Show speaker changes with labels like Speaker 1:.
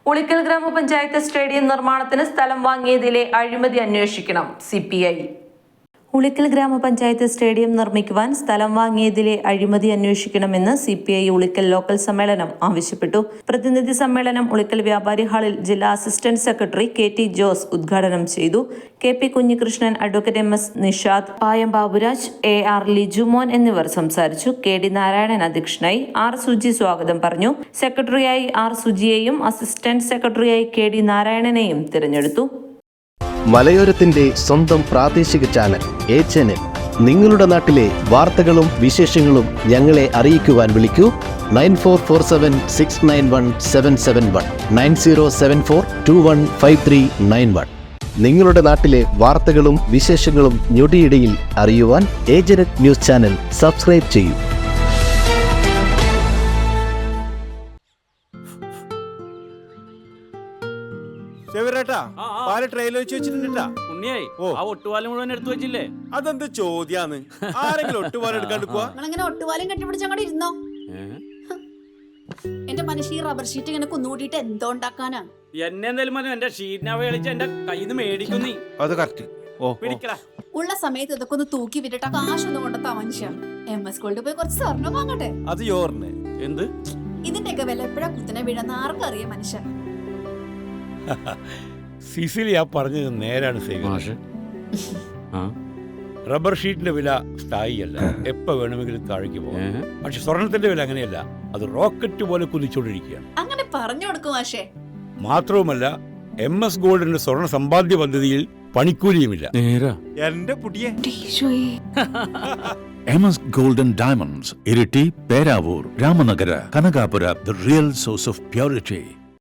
Speaker 1: ഉളിക്കൽ ഗ്രാമപഞ്ചായത്ത് സ്റ്റേഡിയം നിർമ്മാണത്തിന് സ്ഥലം വാങ്ങിയതിലെ അഴിമതി അന്വേഷിക്കണം CPI. ഉളിക്കൽ ഗ്രാമപഞ്ചായത്ത് സ്റ്റേഡിയം നിർമ്മിക്കുവാൻ സ്ഥലം വാങ്ങിയതിലെ അഴിമതി അന്വേഷിക്കണമെന്ന് CPI ഉളിക്കൽ ലോക്കൽ സമ്മേളനം ആവശ്യപ്പെട്ടു. പ്രതിനിധി സമ്മേളനം ഉളിക്കൽ വ്യാപാരി ഹാളിൽ ജില്ലാ അസിസ്റ്റന്റ് സെക്രട്ടറി KT ജോസ് ഉദ്ഘാടനം ചെയ്തു. KP Kunhikrishnan, advocate MS Nishad, Payam Baburaj, AR Lijumon എന്നിവർ സംസാരിച്ചു. KD നാരായണൻ അധ്യക്ഷനായി. R സുജി സ്വാഗതം പറഞ്ഞു. സെക്രട്ടറിയായി R സുജിയെയും അസിസ്റ്റന്റ് സെക്രട്ടറിയായി KD നാരായണനെയും തിരഞ്ഞെടുത്തു.
Speaker 2: മലയോരത്തിന്റെ സ്വന്തം പ്രാദേശിക ചാനൽ A-Channel. നിങ്ങളുടെ നാട്ടിലെ വാർത്തകളും വിശേഷങ്ങളും ഞങ്ങളെ അറിയിക്കുവാൻ വിളിക്കൂ 9447691771 9074215391. നിങ്ങളുടെ നാട്ടിലെ വാർത്തകളും വിശേഷങ്ങളും ഞൊടിയിടയിൽ അറിയുവാൻ A-Channel ന്യൂസ് ചാനൽ സബ്സ്ക്രൈബ് ചെയ്യൂ.
Speaker 3: അതെന്ത് ചോദ്യാന്ന്? ആരെങ്കിലും ഒട്ടുപാലം എടുക്കാണ്ട് പോവാ?
Speaker 4: ഒട്ടുപാലം കെട്ടിപ്പിടിച്ചങ്ങോട്ട് ഇരുന്നോ. എന്റെ മനുഷ്യ റബ്ബർ ഷീറ്റ് ഇങ്ങനെ കുന്നുകൂട്ടിട്ട് എന്തോ ഉണ്ടാക്കാനാ?
Speaker 3: എന്നെ എന്തായാലും എന്റെ ഷീറ്റിനെ കളിച്ച് എന്റെ കയ്യിൽ നിന്ന് മേടിക്കുന്നീ. അത് കറക്റ്റ്.
Speaker 4: ഉള്ള സമയത്ത് ഇതൊക്കെ ഒന്ന് തൂക്കി വിട്ടിട്ട് കാശൊന്നും കൊണ്ടെത്താ മനുഷ്യ. MS ഗോൾഡ് പോയി കുറച്ച് സ്വർണ്ണം വാങ്ങട്ടെ.
Speaker 3: അത് യോറിന് എന്ത്?
Speaker 4: ഇതിന്റെയൊക്കെ വില എപ്പോഴാ കുത്തിനെ വീഴുന്ന ആർക്കറിയാം മനുഷ്യ.
Speaker 5: സിസിലി ആ പറഞ്ഞത് നേരാണ്. റബ്ബർ ഷീറ്റിന്റെ വില സ്ഥായിയല്ല, എപ്പോ വേണമെങ്കിലും താഴേക്ക് പോകാം. പക്ഷെ സ്വർണത്തിന്റെ വില അങ്ങനെയല്ല, അത് റോക്കറ്റ് പോലെ കുതിച്ചുകൊണ്ടിരിക്കുകയാണ്.
Speaker 4: അങ്ങനെ പറഞ്ഞു കൊടുക്കും മാഷേ.
Speaker 5: മാത്രവുമല്ല MS ഗോൾഡിന്റെ സ്വർണ്ണ സമ്പാദ്യ പദ്ധതിയിൽ പണിക്കൂലിയുമില്ല.
Speaker 3: എന്റെ പുതിയ
Speaker 6: MS Gold and Diamonds, Iriti, Peravur, Ramanagara, Kanagapura, the real source of purity.